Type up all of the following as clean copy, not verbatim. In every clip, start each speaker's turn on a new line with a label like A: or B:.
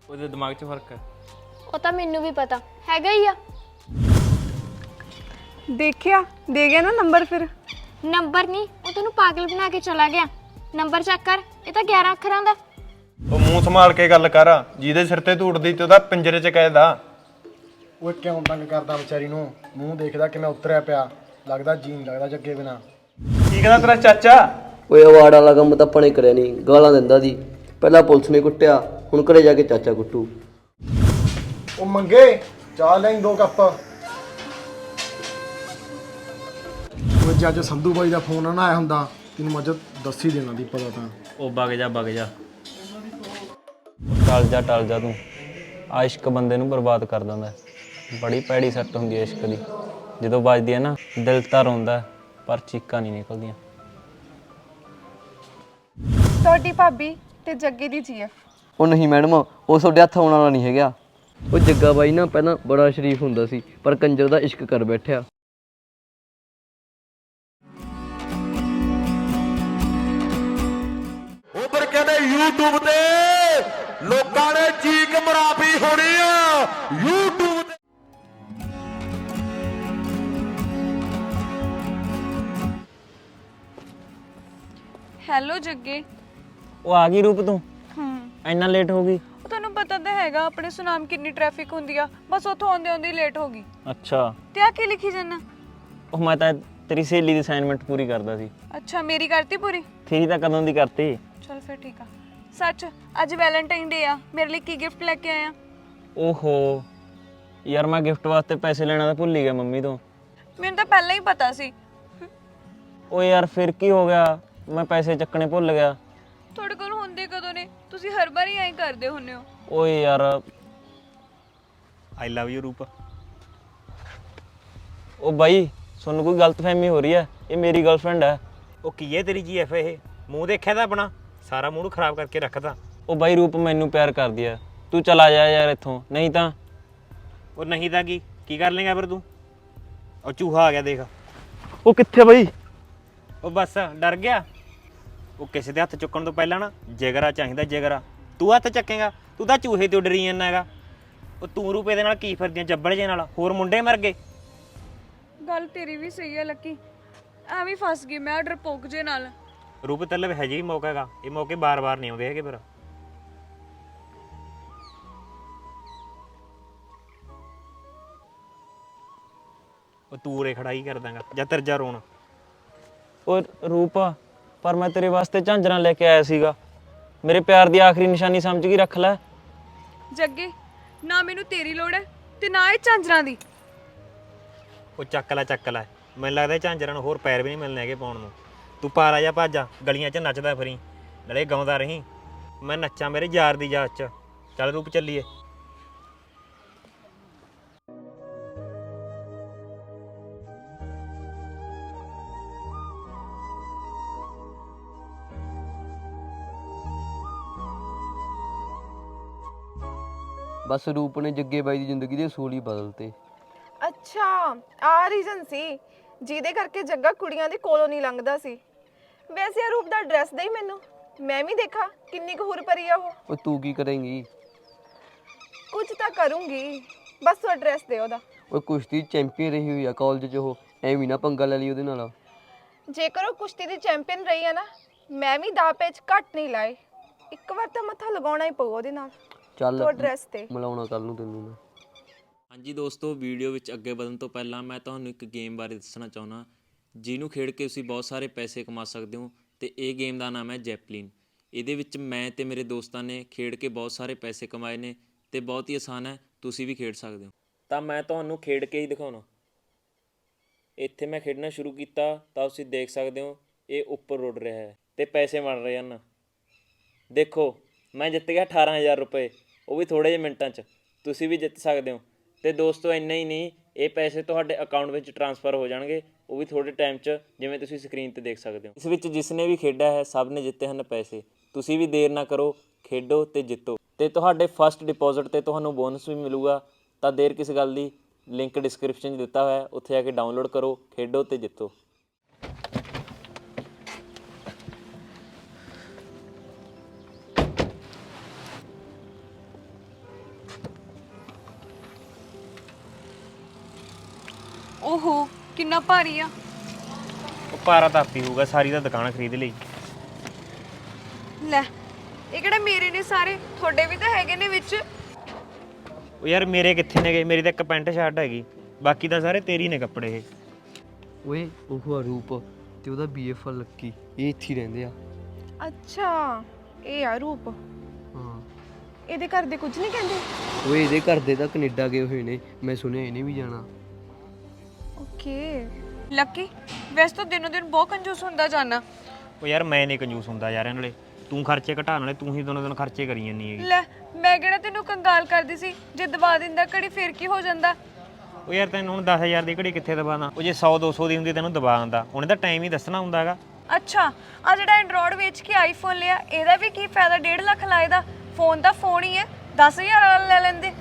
A: ਉਹਦੇ ਦਿਮਾਗ 'ਚ ਫਰਕ ਹੈ।
B: ਉਹ ਤਾਂ ਮੈਨੂੰ ਵੀ ਪਤਾ ਹੈਗਾ ਹੀ ਆ।
C: ਦੇਖਿਆ ਦੇ ਗਿਆ ਨਾ ਨੰਬਰ ਫਿਰ।
B: ਨੰਬਰ ਨਹੀਂ, ਉਹ ਤੈਨੂੰ ਪਾਗਲ ਬਣਾ ਕੇ ਚਲਾ ਗਿਆ। ਨੰਬਰ ਚੈੱਕ ਕਰ, ਇਹ ਤਾਂ 11 ਅੱਖਰਾਂ ਦਾ।
D: ਉਹ ਮੂੰਹ ਸੰਭਾਲ ਕੇ ਗੱਲ ਕਰ, ਜਿਹਦੇ ਸਿਰ ਤੇ ਧੂੜਦੀ ਤੇ ਉਹਦਾ ਪਿੰਜਰੇ 'ਚ ਕੈਦ ਆ।
E: ਉਹ ਕਿਉਂ ਤੰਗ ਕਰਦਾ ਵਿਚਾਰੀ ਨੂੰ? ਮੂੰਹ ਦੇਖਦਾ ਕਿਵੇਂ ਉਤਰਿਆ ਪਿਆ, ਲੱਗਦਾ ਜੀਣ ਲੱਗਦਾ ਜੱਗੇ ਬਿਨਾ।
D: ਕੀ ਕਹਿੰਦਾ ਤੇਰਾ ਚਾਚਾ?
F: ਓਏ ਅਵਾਰਡ ਵਾਲਾ ਕੰਮ ਤਾਂ ਆਪਾਂ ਨੇ ਕਰਿਆ ਨਹੀਂ, ਗਾਲਾਂ ਦਿੰਦਾ ਦੀ। ਪਹਿਲਾਂ ਪੁਲਿਸ ਨੇ ਕੁੱਟਿਆ, ਹੁਣ ਘਰੇ ਜਾ ਕੇ ਚਾਚਾ ਕੁੱਟੂ।
E: ਉਹ ਮੰਗੇ ਚਾਹ ਲੈਂ 2 ਕੱਪ। ਉਹ ਜੇ ਅੱਜ ਸੰਧੂ ਬਾਈ ਦਾ ਫੋਨ ਨਾ ਆਇਆ ਹੁੰਦਾ ਤੈਨੂੰ ਮੈਂ ਦੱਸ ਹੀ ਦੇਣਾ ਦੀ ਪਤਾ ਤਾਂ।
A: ਉਹ ਵਗ ਜਾ ਟਲ ਜਾ ਤੂੰ। ਆ ਇਸ਼ਕ ਬੰਦੇ ਨੂੰ ਬਰਬਾਦ ਕਰ ਦਿੰਦਾ। ਬੜੀ ਭੈੜੀ ਸੱਟ ਹੁੰਦੀ ਹੈ ਇਸ਼ਕ ਦੀ। ਜਦੋਂ ਵੱਜਦੀ ਹੈ ਨਾ ਦਿਲ ਤਾਂ ਰੋਂਦਾ ਪਰ ਚੀਕਾਂ ਨਹੀਂ ਨਿਕਲਦੀਆਂ।
C: ਤੁਹਾਡੀ ਭਾਬੀ ਤੇ ਜੱਗੇ ਦੀ ਜੀਐਫ।
F: ਉਹ ਨਹੀਂ ਮੈਡਮ, ਉਹ ਤੁਹਾਡੇ ਹੱਥ ਆਉਣ ਵਾਲਾ ਨਹੀਂ ਹੈਗਾ। ਉਹ ਜੱਗਾ ਬਾਈ ਨਾ ਪਹਿਲਾਂ ਬੜਾ ਸ਼ਰੀਫ ਹੁੰਦਾ ਸੀ, ਪਰ ਕੰਜਰ ਦਾ ਇਸ਼ਕ ਕਰ ਬੈਠਿਆ।
G: ਉਧਰ ਕਹਿੰਦੇ YouTube ਤੇ ਲੋਕਾਂ ਨੇ ਚੀਕ ਮਰਾਪੀ ਹੋਣੀ ਆ YouTube ਤੇ।
C: ਹੈਲੋ ਜੱਗੇ।
A: ਉਹ ਆ ਗਈ ਰੂਪ ਤੂੰ? ਇੰਨਾ ਲੇਟ ਹੋ ਗਈ?
C: ਉਹ ਤੁਹਾਨੂੰ ਪਤਾ ਤਾਂ ਹੈਗਾ ਆਪਣੇ ਸੁਨਾਮ ਕਿੰਨੀ ਟ੍ਰੈਫਿਕ ਹੁੰਦੀ ਆ, ਬਸ ਉੱਥੋਂ ਆਉਂਦੇ ਆਉਂਦੇ ਲੇਟ ਹੋ ਗਈ।
A: ਅੱਛਾ,
C: ਤੇ ਆ ਕੀ ਲਿਖੀ ਜੰਨਾ?
A: ਉਹ ਮੈਂ ਤਾਂ ਤੇਰੀ ਸਹੇਲੀ ਦੀ ਅਸਾਈਨਮੈਂਟ ਪੂਰੀ ਕਰਦਾ ਸੀ।
C: ਅੱਛਾ, ਮੇਰੀ ਕਰਤੀ ਪੂਰੀ?
A: ਤੇਰੀ ਤਾਂ ਕਦੋਂ ਦੀ ਕਰਤੀ।
C: ਚਲ ਫਿਰ ਠੀਕ ਆ। ਸੱਚ, ਅੱਜ ਵੈਲੈਂਟਾਈਨ ਡੇ ਆ, ਮੇਰੇ ਲਈ ਕੀ ਗਿਫਟ ਲੈ ਕੇ ਆਇਆ?
A: ਓਹੋ ਯਾਰ, ਮੈਂ ਗਿਫਟ ਵਾਸਤੇ ਪੈਸੇ ਲੈਣਾ ਤਾਂ ਭੁੱਲ ਹੀ ਗਿਆ ਮੰਮੀ ਤੋਂ।
C: ਮੈਨੂੰ ਤਾਂ ਪਹਿਲਾਂ ਹੀ ਪਤਾ ਸੀ।
A: ਓ ਯਾਰ ਫਿਰ ਕੀ ਹੋ ਗਿਆ, ਮੈਂ ਪੈਸੇ ਚੱਕਣੇ ਭੁੱਲ ਗਿਆ।
C: ਤੁਹਾਡੇ ਕੋਲ ਹੁੰਦੇ ਕਦੋਂ ਨੇ? ਤੁਸੀਂ ਹਰ ਵਾਰੀ ਐਂ ਕਰਦੇ ਹੁੰਨੇ ਹੋ।
A: ਓਏ ਯਾਰ,
D: ਆਈ ਲਵ ਯੂ ਰੂਪ।
A: ਉਹ ਬਾਈ ਤੁਹਾਨੂੰ ਕੋਈ ਗਲਤਫਹਿਮੀ ਹੋ ਰਹੀ ਹੈ, ਇਹ ਮੇਰੀ ਗਰਲਫ੍ਰੈਂਡ ਹੈ।
D: ਉਹ ਕੀ ਹੈ ਤੇਰੀ ਜੀਐਫ? ਇਹ ਮੂੰਹ ਦੇਖਿਆ ਤਾਂ ਆਪਣਾ, ਸਾਰਾ ਮੂਡ ਖਰਾਬ ਕਰਕੇ ਰੱਖਦਾ।
A: ਉਹ ਬਾਈ ਰੂਪ ਮੈਨੂੰ ਪਿਆਰ ਕਰਦੀ ਹੈ, ਤੂੰ ਚਲਾ ਜਾ ਯਾਰ ਇੱਥੋਂ, ਨਹੀਂ ਤਾਂ।
D: ਉਹ ਨਹੀਂ ਤਾਂ ਕੀ ਕਰ ਲੇਗਾ ਫਿਰ ਤੂੰ? ਉਹ ਚੂਹਾ ਆ ਗਿਆ ਦੇਖ।
A: ਉਹ ਕਿੱਥੇ ਬਾਈ?
D: ਉਹ ਬਸ ਡਰ ਗਿਆ। ਉਹ ਕਿਸੇ ਦੇ ਹੱਥ ਚੁੱਕਣ ਤੋਂ ਪਹਿਲਾਂ ਨਾ ਜਿਗਰਾ ਚਾਹੀਦਾ, ਜਿਗਰਾ। ਤੂੰ ਹੱਥ ਚੱਕੇਗਾ? ਤੂੰ ਤਾਂ ਚੂਹੇ ਤੋਂ ਡਰੀ ਜਾਂਦਾ ਹੈਗਾ। ਉਹ ਤੂੰ ਰੂਪੇ ਦੇ ਨਾਲ ਕੀ ਫਿਰਦੀਆਂ ਜੱਬੜ ਜੇ ਨਾਲ? ਹੋਰ ਮੁੰਡੇ ਮਰ ਗਏ।
C: ਗੱਲ ਤੇਰੀ ਵੀ ਸਹੀ ਹੈ ਲੱਕੀ, ਐਵੇਂ ਫਸ ਗਈ ਮੈਂ ਡਰਪੋਕ ਜੇ ਨਾਲ।
D: ਰੂਪ ਤਲਬ ਹੈ ਜੀ ਮੌਕਾ ਹੈਗਾ, ਇਹ ਮੌਕੇ ਬਾਰ-ਬਾਰ ਨਹੀਂ ਆਉਂਦੇ ਹੈਗੇ ਫਿਰ। ਉਹ ਤੂੰ ਰੇ ਖੜਾਈ ਕਰ ਦਾਂਗਾ ਜਾਂ ਤਰਜਾ ਰੋਣ।
A: ਉਹ ਰੂਪ, ਪਰ ਮੈਂ ਤੇਰੇ ਵਾਸਤੇ ਝਾਂਜਰਾਂ ਲੈ ਕੇ ਆਇਆ ਸੀਗਾ। ਮੇਰੇ ਪਿਆਰ ਦੀ ਆਖਰੀ ਨਿਸ਼ਾਨੀ ਸਮਝ ਕੇ ਰੱਖ ਲੈ।
C: ਜੱਗੇ, ਨਾ ਮੈਨੂੰ ਤੇਰੀ ਲੋੜ ਹੈ ਤੇ ਨਾ ਇਹ ਝਾਂਜਰਾਂ ਦੀ।
D: ਉਹ ਚੱਕ ਲੈ। ਮੈਨੂੰ ਲੱਗਦਾ ਝਾਂਜਰਾਂ ਨੂੰ ਹੋਰ ਪੈਰ ਵੀ ਨਹੀਂ ਮਿਲਣੇ ਹੈਗੇ ਪਾਉਣ ਨੂੰ। ਤੂੰ ਪਾਰਾ ਜਾ ਭੱਜ, ਗਲੀਆਂ 'ਚ ਨੱਚਦਾ ਫਿਰੀ, ਨਾਲੇ ਗਾਉਂਦਾ ਰਹੀਂ ਮੈਂ ਨੱਚਾਂ ਮੇਰੇ ਯਾਰ ਦੀ ਯਾਦ 'ਚ। ਚੱਲ ਰੂਪ ਚੱਲੀਏ।
F: ਬਸ ਰੂਪ ਨੇ ਜੱਗੇ ਬਾਈ ਦੀ ਜ਼ਿੰਦਗੀ ਦੇ ਅਸੂਲ ਹੀ ਬਦਲਤੇ।
H: ਅੱਛਾ, ਆ ਰੀਜ਼ਨ ਸੀ ਜਿਹਦੇ ਕਰਕੇ ਜੱਗਾ ਕੁੜੀਆਂ ਦੇ ਕੋਲੋਂ ਨਹੀਂ ਲੰਘਦਾ ਸੀ। ਵੈਸੇ ਇਹ ਰੂਪ ਦਾ ਐਡਰੈਸ ਦੇ ਮੈਨੂੰ, ਮੈਂ ਵੀ ਦੇਖਾ ਕਿੰਨੀ ਕੁ ਹੁਰ ਭਰੀ ਆ ਉਹ।
F: ਉਹ ਤੂੰ ਕੀ ਕਰੇਂਗੀ?
H: ਕੁਝ ਤਾਂ ਕਰੂੰਗੀ, ਬਸ ਤੂੰ ਐਡਰੈਸ ਦੇ ਉਹਦਾ।
F: ਉਹ ਕੁਸ਼ਤੀ ਚੈਂਪੀਅਨ ਰਹੀ ਹੋਈ ਆ ਕਾਲਜ 'ਚ, ਉਹ ਐਵੇਂ ਨਾ ਪੰਗਾ ਲੈ ਲਈ ਉਹਦੇ ਨਾਲ।
H: ਜੇਕਰ ਉਹ ਕੁਸ਼ਤੀ ਦੀ ਚੈਂਪੀਅਨ ਰਹੀ ਆ ਨਾ, ਮੈਂ ਵੀ ਦਾਅ ਪੇਚ ਘੱਟ ਨਹੀਂ ਲਾਏ। ਇੱਕ ਵਾਰ ਤਾਂ ਮੱਥਾ ਲਗਾਉਣਾ ਹੀ ਪਊ ਉਹਦੇ ਨਾਲ।
F: ਚੱਲ
H: ਤੂੰ ਐਡਰੈਸ ਤੇ
F: ਮਿਲਾਉਣਾ ਕੱਲ ਨੂੰ ਤੈਨੂੰ ਮੈਂ।
A: ਹਾਂਜੀ ਦੋਸਤੋ, ਵੀਡੀਓ ਵਿੱਚ ਅੱਗੇ ਵਧਣ ਤੋਂ ਪਹਿਲਾਂ ਮੈਂ ਤੁਹਾਨੂੰ ਇੱਕ ਗੇਮ ਬਾਰੇ ਦੱਸਣਾ ਚਾਹੁੰਦਾ, ਜਿਹਨੂੰ ਖੇਡ ਕੇ ਤੁਸੀਂ ਬਹੁਤ ਸਾਰੇ ਪੈਸੇ ਕਮਾ ਸਕਦੇ ਹੋ। ਤੇ ਇਹ ਗੇਮ ਦਾ ਨਾਮ ਹੈ ਜੈਪਲਿਨ। ਇਹਦੇ ਵਿੱਚ ਮੈਂ ਤੇ ਮੇਰੇ ਦੋਸਤਾਂ ਨੇ ਖੇਡ ਕੇ ਬਹੁਤ ਸਾਰੇ ਪੈਸੇ ਕਮਾਏ ਨੇ ਤੇ ਬਹੁਤ ਹੀ ਆਸਾਨ ਹੈ, ਤੁਸੀਂ ਵੀ ਖੇਡ ਸਕਦੇ ਹੋ। ਤਾਂ ਮੈਂ ਤੁਹਾਨੂੰ ਖੇਡ ਕੇ ਹੀ ਦਿਖਾਉਣਾ। ਇੱਥੇ ਮੈਂ ਖੇਡਣਾ ਸ਼ੁਰੂ ਕੀਤਾ ਤਾਂ ਤੁਸੀਂ ਦੇਖ ਸਕਦੇ ਹੋ ਇਹ ਉੱਪਰ ਉੱਡ ਰਿਹਾ ਹੈ ਤੇ ਪੈਸੇ ਬਣ ਰਹੇ ਹਨ। ਦੇਖੋ ਮੈਂ ਜਿੱਤ ਗਿਆ 18,000 ਰੁਪਏ, ਉਹ ਵੀ ਥੋੜ੍ਹੇ ਜਿਹੇ ਮਿੰਟਾਂ 'ਚ। ਤੁਸੀਂ ਵੀ ਜਿੱਤ ਸਕਦੇ ਹੋ। ਤੇ ਦੋਸਤੋ ਇੰਨਾ ਹੀ ਨਹੀਂ, ਇਹ ਪੈਸੇ ਤੁਹਾਡੇ ਅਕਾਊਂਟ ਵਿੱਚ ਟ੍ਰਾਂਸਫਰ ਹੋ ਜਾਣਗੇ, ਉਹ ਵੀ ਥੋੜ੍ਹੇ ਟਾਈਮ 'ਚ, ਜਿਵੇਂ ਤੁਸੀਂ ਸਕਰੀਨ 'ਤੇ ਦੇਖ ਸਕਦੇ ਹੋ। ਇਸ ਵਿੱਚ ਜਿਸ ਨੇ ਵੀ ਖੇਡਿਆ ਹੈ ਸਭ ਨੇ ਜਿੱਤੇ ਹਨ ਪੈਸੇ। ਤੁਸੀਂ ਵੀ ਦੇਰ ਨਾ ਕਰੋ, ਖੇਡੋ ਤੇ ਜਿੱਤੋ। ਤੇ ਤੁਹਾਡੇ ਫਸਟ ਡਿਪੋਜ਼ਿਟ 'ਤੇ ਤੁਹਾਨੂੰ ਬੋਨਸ ਵੀ ਮਿਲੂਗਾ। ਤਾਂ ਦੇਰ ਕਿਸ ਗੱਲ ਦੀ, ਲਿੰਕ ਡਿਸਕ੍ਰਿਪਸ਼ਨ 'ਚ ਦਿੱਤਾ ਹੋਇਆ, ਉੱਥੇ ਜਾ ਕੇ ਡਾਊਨਲੋਡ ਕਰੋ, ਖੇਡੋ ਤੇ ਜਿੱਤੋ।
C: ਓਹੋ ਕਿੰਨਾ ਭਾਰੀ ਆ।
D: ਉਹ ਪਾਰਾ ਤਾਂ ਆਪੀ ਹੋਊਗਾ, ਸਾਰੀ ਦਾ ਦੁਕਾਨ ਖਰੀਦ ਲਈ।
C: ਲੈ ਇਹ ਕਿਹੜੇ ਮੇਰੇ ਨੇ ਸਾਰੇ, ਤੁਹਾਡੇ ਵੀ ਤਾਂ ਹੈਗੇ ਨੇ ਵਿੱਚ।
D: ਉਹ ਯਾਰ ਮੇਰੇ ਕਿੱਥੇ ਨੇਗੇ, ਮੇਰੀ ਤਾਂ ਇੱਕ ਪੈਂਟ ਸ਼ਰਟ ਹੈਗੀ, ਬਾਕੀ ਤਾਂ ਸਾਰੇ ਤੇਰੀ ਨੇ ਕੱਪੜੇ ਇਹ।
F: ਓਏ ਉਹ ਆ ਰੂਪ ਤੇ ਉਹਦਾ ਬੀਐਫ ਲੱਕੀ, ਇਹ ਇੱਥੇ ਹੀ ਰਹਿੰਦੇ ਆ।
H: ਅੱਛਾ ਇਹ ਆ ਰੂਪ।
F: ਹਾਂ
H: ਇਹਦੇ ਘਰ ਦੇ ਕੁਝ ਨਹੀਂ ਕਹਿੰਦੇ?
F: ਓਏ ਇਹਦੇ ਘਰ ਦੇ ਤਾਂ ਕੈਨੇਡਾ ਗਏ ਹੋਏ ਨੇ, ਮੈਂ ਸੁਣਿਆ ਇਹਨੇ ਵੀ ਜਾਣਾ।
H: ਓਕੇ।
C: ਲੱਕੀ ਵੈਸੇ ਤਾਂ ਦਿਨੋਂ ਦਿਨ ਬਹੁਤ ਕੰਜੂਸ ਹੁੰਦਾ ਜਾਣਾ।
D: ਉਹ ਯਾਰ ਮੈਂ ਨਹੀਂ ਕੰਜੂਸ ਹੁੰਦਾ ਯਾਰ, ਨਾਲੇ ਤੂੰ ਖਰਚੇ ਘਟਾਉਣ ਵਾਲੇ, ਤੂੰ ਹੀ ਦੋਨੋਂ ਦਿਨ ਖਰਚੇ ਕਰੀ ਜਾਂਦੀ ਹੈਗੀ।
C: ਲੈ ਮੈਂ ਕਿਹੜਾ ਤੈਨੂੰ ਕੰਗਾਲ ਕਰਦੀ ਸੀ, ਜੇ ਦਬਾ ਦਿੰਦਾ ਘੜੀ ਫੇਰ ਕੀ ਹੋ ਜਾਂਦਾ।
D: ਉਹ ਯਾਰ ਤੈਨੂੰ ਹੁਣ 10,000 ਦੀ ਘੜੀ ਕਿੱਥੇ ਦਬਾਣਾ, ਉਹ ਜੇ 100-200 ਦੀ ਹੁੰਦੀ ਤੈਨੂੰ ਦਬਾ ਦਿੰਦਾ, ਉਹਨੇ ਤਾਂ ਟਾਈਮ ਹੀ ਦੱਸਣਾ ਹੁੰਦਾ ਹੈਗਾ।
C: ਅੱਛਾ ਆ ਜਿਹੜਾ ਐਂਡਰੋਇਡ ਵੇਚ ਕੇ ਆਈਫੋਨ ਲਿਆ, ਇਹਦਾ ਵੀ ਕੀ ਫਾਇਦਾ? 1.5 ਲੱਖ ਲਾਏ ਦਾ ਫੋਨ ਦਾ ਫੋਨ ਹੀ ਹੈ, 10,000 ਵਾਲਾ ਲੈ ਲੈਂਦੇ।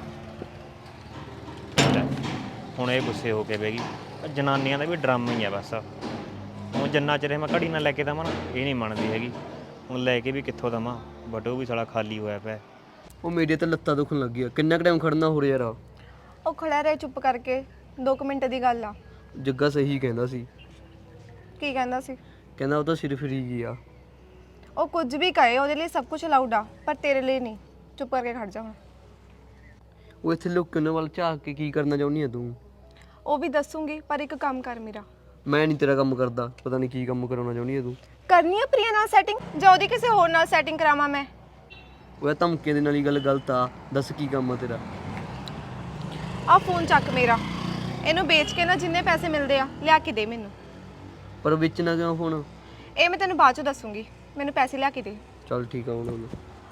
D: ਲੈ, ਹੁਣ ਇਹ ਗੁੱਸੇ ਹੋ ਕੇ ਬਹਿ ਗਈ। ਜਨਾਨੀਆਂ ਦਾ ਵੀ ਡਰਾਮਾ ਹੀ ਆ ਬਸ। ਹੁਣ ਜਿੰਨਾ ਚਿਰ ਮੈਂ ਘੜੀ ਨਾਲ ਲੈ ਕੇ ਦਵਾਂ ਨਾ, ਇਹ ਨਹੀਂ ਮੰਨਦੀ ਹੈਗੀ। ਹੁਣ ਲੈ ਕੇ ਵੀ ਕਿੱਥੋਂ ਦਵਾਂ, ਬਟੋ ਵੀ ਸਾਲਾ ਖਾਲੀ ਹੋਇਆ ਪਿਆ।
F: ਉਹ ਮੇਰੇ ਤਾਂ ਲੱਤਾਂ ਦੁਖਣ ਲੱਗੀ ਆ, ਕਿੰਨਾ ਕੁ ਟਾਈਮ ਖੜਨਾ ਹੋ ਰਿਹਾ ਯਾਰ।
H: ਉਹ ਖੜਾ ਰਹਿ ਚੁੱਪ ਕਰਕੇ, 2 ਮਿੰਟ ਦੀ ਗੱਲ ਆ।
F: ਜੱਗਾ ਸਹੀ ਕਹਿੰਦਾ ਸੀ,
H: ਕੀ ਕਹਿੰਦਾ ਸੀ?
F: ਕਹਿੰਦਾ ਉਹ ਤਾਂ ਸਿਰਫ ਫਰੀ ਗਿਆ।
H: ਉਹ ਕੁਝ ਵੀ ਕਹੇ, ਉਹਦੇ ਲਈ ਸਭ ਕੁਝ ਅਲਾਉਡ ਆ, ਪਰ ਤੇਰੇ ਲਈ ਨਹੀਂ। ਚੁੱਪ ਕਰਕੇ ਖੜ ਜਾ ਹੁਣ।
F: ਉਹ ਇੱਥੇ ਲੋਕ ਉਹਨਾਂ ਵੱਲ ਝਾਕ ਕੇ ਕੀ ਕਰਨਾ ਚਾਹੁੰਦੀ ਆ ਤੂੰ?
H: ਉਹ ਵੀ ਦੱਸੂਗੀ, ਪਰ ਇੱਕ ਕੰਮ ਕਰ ਮੇਰਾ।
F: ਮੈਂ ਨਹੀਂ ਤੇਰਾ ਕੰਮ ਕਰਦਾ, ਪਤਾ ਨਹੀਂ ਕੀ ਕੰਮ ਕਰਾਉਣਾ ਚਾਹੁੰਦੀ ਆ ਤੂੰ।
H: ਕਰਨੀ ਆ ਪ੍ਰਿਆ ਨਾਲ ਸੈਟਿੰਗ, ਜਾਂ ਉਹਦੀ ਕਿਸੇ ਹੋਰ ਨਾਲ ਸੈਟਿੰਗ ਕਰਾਵਾਂ ਮੈਂ?
F: ਉਹ ਧਮਕੇ ਦੇ ਨਾਲ ਹੀ ਗੱਲ ਗਲਤ ਆ, ਦੱਸ ਕੀ ਕੰਮ ਆ ਤੇਰਾ?
H: ਆ ਫੋਨ ਚੱਕ ਮੇਰਾ, ਇਹਨੂੰ ਵੇਚ ਕੇ ਨਾ ਜਿੰਨੇ ਪੈਸੇ ਮਿਲਦੇ ਆ ਲਿਆ ਕੇ ਦੇ ਮੈਨੂੰ।
F: ਪਰ ਵੇਚਣਾ ਕਿਉਂ ਫੋਨ?
H: ਇਹ ਮੈਂ ਤੈਨੂੰ ਬਾਅਦ ਚ ਦੱਸੂਗੀ, ਮੈਨੂੰ ਪੈਸੇ ਲਿਆ ਕੇ ਦੇ।
F: ਚੱਲ ਠੀਕ ਆ ਹੁਣ।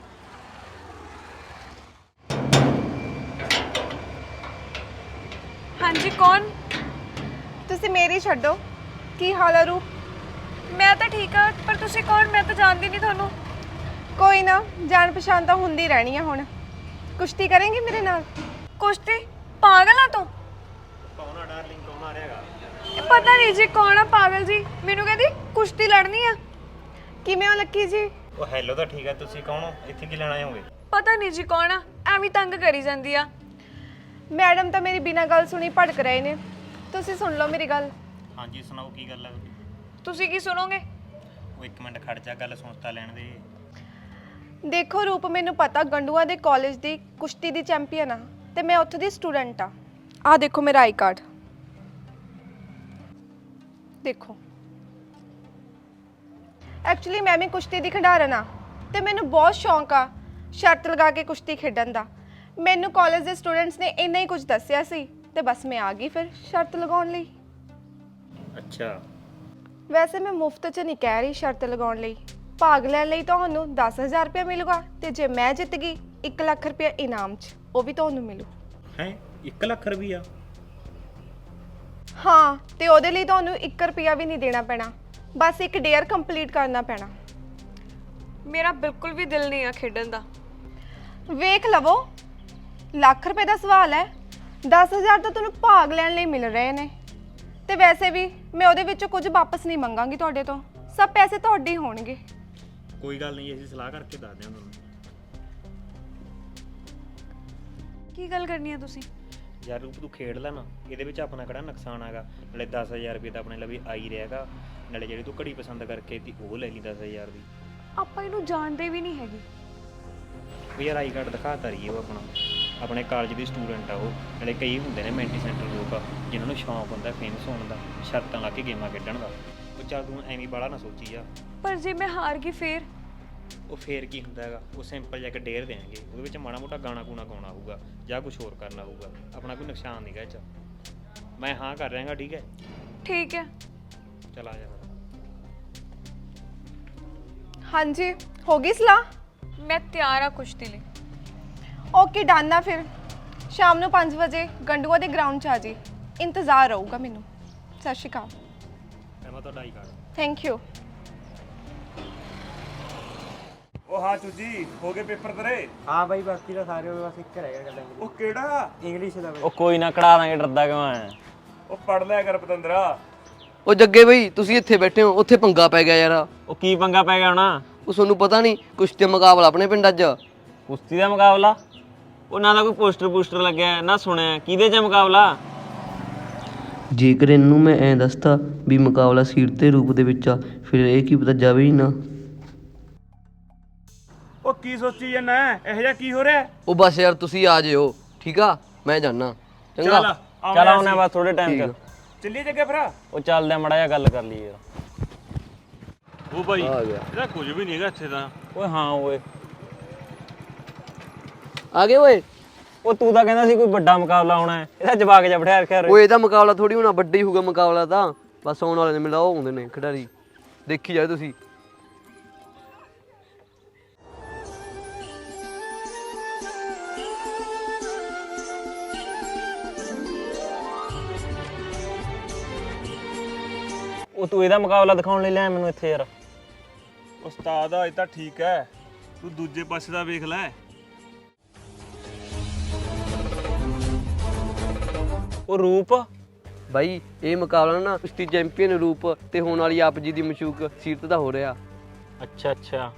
C: ਹਾਂਜੀ ਕੌਣ?
H: ਤੁਸੀਂ ਮੇਰੀ ਛੱਡੋ, ਕੀ ਹਾਲ ਆ ਰੂਪ?
C: ਮੈਂ ਤਾਂ ਠੀਕ ਆ, ਪਰ ਤੁਸੀਂ ਕੌਣ? ਮੈਂ ਤਾਂ ਜਾਣਦੀ ਨਹੀਂ ਤੁਹਾਨੂੰ।
H: ਕੋਈ ਨਾ, ਜਾਣ ਪਛਾਣ ਤਾਂ ਹੁੰਦੀ ਰਹਿਣੀ ਆ। ਹੁਣ ਕੁਸ਼ਤੀ ਕਰੇਂਗੀ ਮੇਰੇ ਨਾਲ?
C: ਕੁਸ਼ਤੀ? ਪਾਗਲ ਆ ਤੂੰ?
D: ਕੌਣ ਆ ਡਾਰਲਿੰਗ, ਕੌਣ ਆ ਰਿਹਾਗਾ?
C: ਇਹ ਪਤਾ ਨਹੀਂ ਜੀ ਕੌਣ ਆ ਪਾਗਲ ਜੀ, ਮੈਨੂੰ ਕਹਿੰਦੀ ਕੁਸ਼ਤੀ ਲੜਨੀ ਆ।
H: ਕਿਵੇਂ ਹੋ ਲੱਕੀ ਜੀ?
D: ਉਹ ਹੈਲੋ ਤਾਂ ਠੀਕ ਆ, ਤੁਸੀਂ ਕੌਣ ਹੋ? ਇੱਥੇ ਕੀ ਲੈਣ ਆਏ ਹੋਗੇ?
C: ਪਤਾ ਨਹੀਂ ਜੀ ਕੌਣ ਆ, ਐਵੇਂ ਤੰਗ ਕਰੀ ਜਾਂਦੀ ਆ।
H: ਮੈਡਮ ਤਾਂ ਮੇਰੀ ਬਿਨਾਂ ਗੱਲ ਸੁਣੀ ਭੜਕ ਰਹੇ ਨੇ, ਤੁਸੀਂ ਸੁਣ ਲਓ ਮੇਰੀ ਗੱਲ।
D: ਹਾਂਜੀ ਸੁਣਾਓ, ਕੀ ਗੱਲ ਹੈ?
C: ਤੁਸੀਂ ਕੀ ਸੁਣੋਗੇ?
D: ਉਹ 1 ਮਿੰਟ ਖੜ ਜਾ, ਗੱਲ ਸੁਣ ਤਾਂ ਲੈਣ ਦੇ।
H: ਦੇਖੋ ਰੂਪ, ਮੈਨੂੰ ਪਤਾ ਗੰਡੂਆ ਦੇ ਕਾਲਜ ਦੀ ਕੁਸ਼ਤੀ ਦੀ ਚੈਂਪੀਅਨ ਆ, ਤੇ ਮੈਂ ਉੱਥੇ ਦੀ ਸਟੂਡੈਂਟ ਆ। ਆਹ ਦੇਖੋ ਮੇਰਾ ਆਈ ਕਾਰਡ, ਦੇਖੋ। ਐਕਚੁਅਲੀ ਮੈਂ ਵੀ ਕੁਸ਼ਤੀ ਦੀ ਖਿਡਾਰਨ ਆ, ਤੇ ਮੈਨੂੰ ਬਹੁਤ ਸ਼ੌਂਕ ਆ ਸ਼ਰਤ ਲਗਾ ਕੇ ਕੁਸ਼ਤੀ ਖੇਡਣ ਦਾ। ਮੈਨੂੰ ਕਾਲਜ ਦੇ ਸਟੂਡੈਂਟਸ ਨੇ ਇੰਨਾ ਹੀ ਕੁਝ ਦੱਸਿਆ ਸੀ, ਤੇ ਬਸ ਮੈਂ ਆ ਗਈ ਫਿਰ ਸ਼ਰਤ ਲਗਾਉਣ ਲਈ।
D: ਅੱਛਾ,
H: ਵੈਸੇ ਮੈਂ ਮੁਫਤ 'ਚ ਨਹੀਂ ਕਹਿ ਰਹੀ ਸ਼ਰਤ ਲਗਾਉਣ ਲਈ। ਭਾਗ ਲੈਣ ਲਈ ਤੁਹਾਨੂੰ 10,000 ਰੁਪਏ ਮਿਲੂਗਾ, ਤੇ ਜੇ ਮੈਂ ਜਿੱਤ ਗਈ 1 ਲੱਖ ਰੁਪਏ ਇਨਾਮ 'ਚ, ਉਹ ਵੀ ਤੁਹਾਨੂੰ ਮਿਲੂ।
D: ਹੈ 1 ਲੱਖ ਰੁਪਈਆ?
H: ਹਾਂ, ਤੇ ਉਹਦੇ ਲਈ ਤੁਹਾਨੂੰ 1 ਰੁਪਿਆ ਵੀ ਨਹੀਂ ਦੇਣਾ ਪੈਣਾ, ਬਸ ਇੱਕ ਡੇਅਰ ਕੰਪਲੀਟ ਕਰਨਾ ਪੈਣਾ।
C: ਮੇਰਾ ਬਿਲਕੁਲ ਵੀ ਦਿਲ ਨਹੀਂ ਆ ਖੇਡਣ ਦਾ।
H: ਵੇਖ ਲਵੋ, ਲੱਖ ਰੁਪਏ ਦਾ ਸਵਾਲ ਹੈ, 10,000 ਤਾਂ ਤੁਹਾਨੂੰ ਭਾਗ ਲੈਣ ਲਈ ਮਿਲ ਰਹੇ ਨੇ, ਤੇ ਵੈਸੇ ਵੀ ਮੈਂ ਉਹਦੇ ਵਿੱਚੋਂ ਕੁਝ ਵਾਪਸ ਨਹੀਂ ਮੰਗਾਂਗੀ ਤੁਹਾਡੇ ਤੋਂ, ਸਭ ਪੈਸੇ ਤੁਹਾਡੇ ਹੀ ਹੋਣਗੇ।
D: ਕੋਈ ਗੱਲ ਨਹੀਂ, ਅਸੀਂ ਸਲਾਹ ਕਰਕੇ ਦੱਸਦੇ ਹਾਂ ਤੁਹਾਨੂੰ।
C: ਕੀ ਗੱਲ ਕਰਨੀ ਆ ਤੁਸੀਂ?
D: ਯਾਰ ਰੂਪ ਤੂੰ ਖੇਡ ਲੈ ਨਾ, ਇਹਦੇ ਵਿੱਚ ਆਪਣਾ ਕਿਹੜਾ ਨੁਕਸਾਨ ਹੈਗਾ? ਨਾਲੇ 10,000 ਰੁਪਏ ਤਾਂ ਆਪਣੇ ਲਈ ਆ ਹੀ ਰਿਹਾਗਾ, ਨਾਲੇ ਜਿਹੜੀ ਤੂੰ ਘੜੀ ਪਸੰਦ ਕਰਕੇ ਤੀ ਉਹ ਲੈ ਲਈ 10,000 ਦੀ।
C: ਆਪਾਂ ਇਹਨੂੰ ਜਾਣਦੇ ਵੀ ਨਹੀਂ ਹੈਗੇ।
D: ਉਹ ਯਾਰ ਆਈ ਕਾਰਡ ਦਿਖਾਤਾ ਰਹੀ ਉਹ ਆਪਣਾ, ਆਪਣੇ ਕਾਲਜ ਦੀ ਸਟੂਡੈਂਟ ਆ ਉਹ। ਨਾਲੇ ਕਈ ਹੁੰਦੇ ਨੇ ਮੈਂਟੀ ਸੈਂਟਰ ਲੋਕ ਜਿਨ੍ਹਾਂ ਨੂੰ ਸ਼ੌਂਕ ਹੁੰਦਾ ਫੇਮਸ ਹੋਣ ਦਾ, ਸ਼ਰਤਾਂ ਲਾ ਕੇ ਗੇਮਾਂ ਖੇਡਣ ਦਾ। ਉਹ ਚੱਲ ਤੂੰ ਐਵੇਂ ਬਾਹਲਾ ਨਾ ਸੋਚੀ ਜਾ।
C: ਪਰ ਜੇ ਮੈਂ ਹਾਰ ਗਈ ਫੇਰ?
D: ਉਹ ਫੇਰ ਕੀ ਹੁੰਦਾ ਹੈਗਾ, ਉਹ ਸਿੰਪਲ ਜਿਹਾ ਇੱਕ ਡੇਅਰ ਦੇਣਗੇ, ਉਹਦੇ ਵਿੱਚ ਮਾੜਾ ਮੋਟਾ ਗਾਣਾ ਗੂਣਾ ਗਾਉਣਾ ਹੋਊਗਾ ਜਾਂ ਕੁਝ ਹੋਰ ਕਰਨਾ ਹੋਊਗਾ, ਆਪਣਾ ਕੋਈ ਨੁਕਸਾਨ ਨਹੀਂਗਾ ਇਹ 'ਚ। ਮੈਂ ਹਾਂ ਕਰ ਰਿਹਾਗਾ, ਠੀਕ ਹੈ?
C: ਠੀਕ ਹੈ।
D: ਚਲ ਆ ਜਾ।
H: ਹਾਂਜੀ, ਹੋ ਗਈ ਸਲਾਹ?
C: ਮੈਂ ਤਿਆਰ ਆ ਕੁਸ਼ਤੀ ਲਈ।
H: ਓਕੇ ਡਨ ਆ ਫਿਰ, ਸ਼ਾਮ ਨੂੰ 5 ਵਜੇ ਗੰਡੂਆ ਦੇ ਗਰਾਊਂਡ 'ਚ ਆ ਜੀ, ਇੰਤਜ਼ਾਰ ਰਹੂਗਾ ਮੈਨੂੰ। ਸਤਿ ਸ਼੍ਰੀ ਅਕਾਲ।
D: ਮੈਂ ਤੁਹਾਡਾ ਆਈ ਕਾਰਡ।
H: Thank you.
I: ਉਹ ਹਾਂ ਚੂਜੀ, ਹੋ ਗਏ ਪੇਪਰ ਤੇਰੇ?
D: ਹਾਂ ਬਾਈ, ਬਾਕੀ ਤਾਂ ਸਾਰੇ ਬਸ ਇੱਕ ਰਹਿ ਗਿਆ ਗੱਲ
I: ਉਹ ਕਿਹੜਾ?
D: ਇੰਗਲਿਸ਼ ਦਾ।
A: ਉਹ ਕੋਈ ਨਾ, ਕਢਾ ਦਾਂਗੇ, ਡਰਦਾ ਕਿਉਂ ਐ?
I: ਉਹ ਪੜ ਲਿਆ ਕਰ ਪਤੰਦਰਾ।
F: ਉਹ ਜੱਗੇ ਬਈ, ਤੁਸੀਂ ਇੱਥੇ ਬੈਠੇ ਹੋ, ਉੱਥੇ ਪੰਗਾ ਪੈ ਗਿਆ ਯਾਰ।
A: ਉਹ ਕੀ ਪੰਗਾ ਪੈ ਗਿਆ ਹੋਣਾ?
F: ਉਹ ਤੁਹਾਨੂੰ ਪਤਾ ਨਹੀਂ, ਕੁਸ਼ਤੀ ਦਾ ਮੁਕਾਬਲਾ ਆਪਣੇ ਪਿੰਡ ਅੱਜ।
A: ਕੁਸ਼ਤੀ ਦਾ ਮੁਕਾਬਲਾ? ਉਹ ਨਾ ਤਾਂ ਕੋਈ ਪੋਸਟਰ ਲੱਗਿਆ, ਨਾ ਸੁਣਿਆ। ਕਿਹਦੇ 'ਚ ਮੁਕਾਬਲਾ?
F: ਜੇਕਰ ਇਹਨੂੰ ਮੈਂ ਐਂ ਦੱਸਤਾ ਵੀ ਮੁਕਾਬਲਾ ਸੀਟ ਦੇ ਰੂਪ ਦੇ ਵਿੱਚ ਆ, ਫਿਰ ਇਹ ਕੀ ਪਤਾ ਜਾਵੇ ਹੀ ਨਾ।
I: ਉਹ ਕੀ ਸੋਚੀ ਜਾਂਦਾ ਇਹੋ ਜਿਹਾ ਕੀ ਹੋ ਰਿਹਾ?
F: ਉਹ ਬਸ ਯਾਰ ਤੁਸੀਂ ਆ ਜਿਓ, ਠੀਕ ਆ, ਮੈਂ ਜਾਣਾ। ਚੰਗਾ
D: ਚੱਲ ਆਉਣਾ ਬਸ ਥੋੜੇ ਟਾਈਮ 'ਚ।
I: ਚੱਲੀਏ ਜੱਗੇ ਫਿਰ।
D: ਉਹ ਚੱਲਦੇ ਆ, ਮੜਾ ਜਿਹਾ ਗੱਲ ਕਰ ਲਈ ਯਾਰ।
I: ਉਹ ਬਾਈ
F: ਆ ਗਿਆ।
I: ਇਹਦਾ ਕੁਝ ਵੀ ਨਹੀਂ ਹੈਗਾ ਇੱਥੇ ਤਾਂ।
D: ਓਏ ਹਾਂ ਓਏ,
F: ਆ ਗਏ ਓਏ।
D: ਉਹ ਤੂੰ ਤਾਂ ਕਹਿੰਦਾ ਸੀ ਕੋਈ ਵੱਡਾ ਮੁਕਾਬਲਾ ਆਉਣਾ ਹੈ, ਇਹਦਾ ਜਵਾਕ ਜਿਹਾ ਬਿਠਾ ਰੱਖਿਆ ਰੇ।
F: ਓਏ ਇਹਦਾ ਮੁਕਾਬਲਾ ਥੋੜੀ ਹੋਣਾ, ਵੱਡਾ ਹੀ ਹੋਊਗਾ ਮੁਕਾਬਲਾ ਤਾਂ। ਬਸ ਆਉਣ ਵਾਲੇ ਨੇ ਮਿਲਾ, ਉਹ ਆਉਂਦੇ ਨੇ ਖਿਡਾਰੀ, ਦੇਖੀ ਜਾਓ ਤੁਸੀਂ।
D: ਉਹ ਤੂੰ ਇਹਦਾ ਮੁਕਾਬਲਾ ਦਿਖਾਉਣ ਲਈ ਲਿਆ ਮੈਨੂੰ ਇੱਥੇ ਯਾਰ।
I: ਉਸਤਾਦ ਆ ਇਹ ਤਾਂ ਠੀਕ ਹੈ, ਤੂੰ ਦੂਜੇ ਪਾਸੇ ਦਾ ਵੇਖ ਲੈ।
D: ਉਹ ਰੂਪ
F: ਬਾਈ ਇਹ ਮੁਕਾਬਲਾ ਨਾ ਕੁਸ਼ਤੀ ਚੈਂਪੀਅਨ ਰੂਪ ਤੇ ਹੋਣ ਵਾਲੀ ਆਪ ਜੀ ਦੀ ਮਸ਼ੂਕ ਸੀਰਤ ਦਾ ਹੋ ਰਿਹਾ।
D: ਅੱਛਾ ਅੱਛਾ,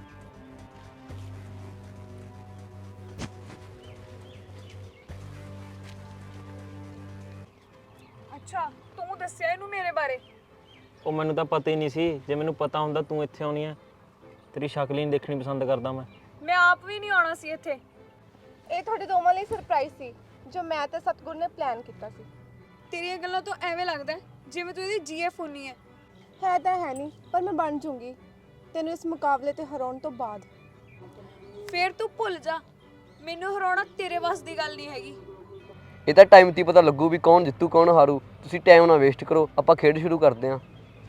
C: ਅੱਛਾ ਤੂੰ ਦੱਸਿਆ ਇਹਨੂੰ ਮੇਰੇ ਬਾਰੇ?
D: ਉਹ ਮੈਨੂੰ ਤਾਂ ਪਤਾ ਹੀ ਨਹੀਂ ਸੀ। ਜੇ ਮੈਨੂੰ ਪਤਾ ਹੁੰਦਾ ਤੂੰ ਇੱਥੇ ਆਉਣੀ ਆ, ਤੇਰੀ ਸ਼ਕਲ ਹੀ ਨਹੀਂ ਦੇਖਣੀ ਪਸੰਦ ਕਰਦਾ
C: ਮੈਂ ਆਪ ਵੀ ਨਹੀਂ ਆਉਣਾ ਸੀ ਇੱਥੇ।
H: ਇਹ ਤੁਹਾਡੇ ਦੋਵਾਂ ਲਈ ਸਰਪ੍ਰਾਈਜ਼ ਸੀ ਜੋ ਮੈਂ ਤੇ ਸਤਗੁਰ ਨੇ ਪਲਾਨ ਕੀਤਾ ਸੀ।
C: ਤੇਰੀਆਂ ਗੱਲਾਂ ਤੋਂ ਐਵੇਂ ਲੱਗਦਾ ਜਿਵੇਂ ਤੂੰ ਇਹਦੀ ਜੀਐਫ ਹੁੰਨੀ ਹੈ।
H: ਹੈ ਤਾਂ ਹੈ ਨਹੀਂ, ਪਰ ਮੈਂ ਬਣ ਜੂੰਗੀ ਤੈਨੂੰ ਇਸ ਮੁਕਾਬਲੇ ਤੇ ਹਰਾਉਣ ਤੋਂ ਬਾਅਦ।
C: ਫੇਰ ਤੂੰ ਭੁੱਲ ਜਾ, ਮੈਨੂੰ ਹਰਾਉਣਾ ਤੇਰੇ ਵੱਸ ਦੀ ਗੱਲ ਨਹੀਂ ਹੈਗੀ।
F: ਇਹ ਤਾਂ ਟਾਈਮ 'ਤੇ ਪਤਾ ਲੱਗੂ ਵੀ ਕੌਣ ਜਿੱਤੂ ਕੌਣ ਹਾਰੂ। ਤੁਸੀਂ ਟਾਈਮ ਨਾ ਵੇਸਟ ਕਰੋ, ਆਪਾਂ ਖੇਡ ਸ਼ੁਰੂ ਕਰਦੇ ਹਾਂ।